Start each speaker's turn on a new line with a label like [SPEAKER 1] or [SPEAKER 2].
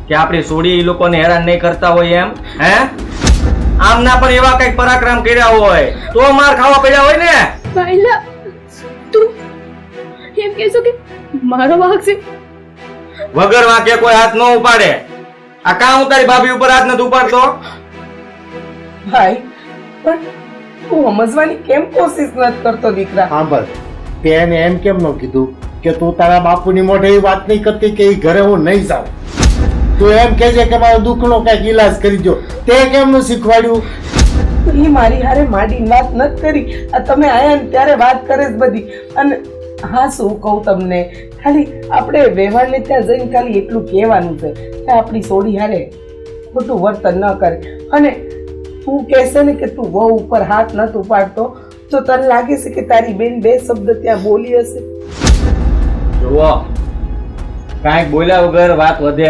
[SPEAKER 1] કે આપણી સોડી એ લોકોને હેરાન નહીં કરતા હોય એમ? હે, આમના પણ એવા કઈક પરાક્રમ કર્યા હોય તો માર ખાવા પડ્યા હોય ને.
[SPEAKER 2] વાયલા, તું એમ કહેશો કે મારો વાંક છે?
[SPEAKER 1] વગર વાંકે કોઈ હાથ ન ઉપાડે. આ કામ તારી ભાભી ઉપર હાથ નથી ઉપાડતો.
[SPEAKER 3] ભાઈ પણ તું સમજવાની કેમ કોશિશ નથી કરતો દીકરા?
[SPEAKER 4] સાંભળ, તે એને એમ કેમ ન કીધું કે તું તારા બાપુની મોઢે એ વાત નહીં કરતી કે એ ઘરે હું નહીં જાઉં? તું એમ કહેજે કે મારો દુઃખનો કઈક ઈલાજ કરી દો. તે કેમ નું શીખવાડ્યું?
[SPEAKER 3] એ મારી હારે માંડીને વાત નથી કરી. આ તમે આયા ને ત્યારે વાત કરે જ બધી. અને હા, શું કહું તમને, ખાલી આપણે વ્યવહારને ત્યાં જઈને ખાલી એટલું કહેવાનું છે કે આપણી સોડી હારે ખોટું વર્તન ન કરે. અને તું કહેશે ને કે તું વહુ ઉપર હાથ નથી ઉપાડતો તો તને લાગે છે કે તારી બેન બે શબ્દ ત્યાં બોલી હશે?
[SPEAKER 1] જુઓ, કાંઈક બોલ્યા વગર વાત વધે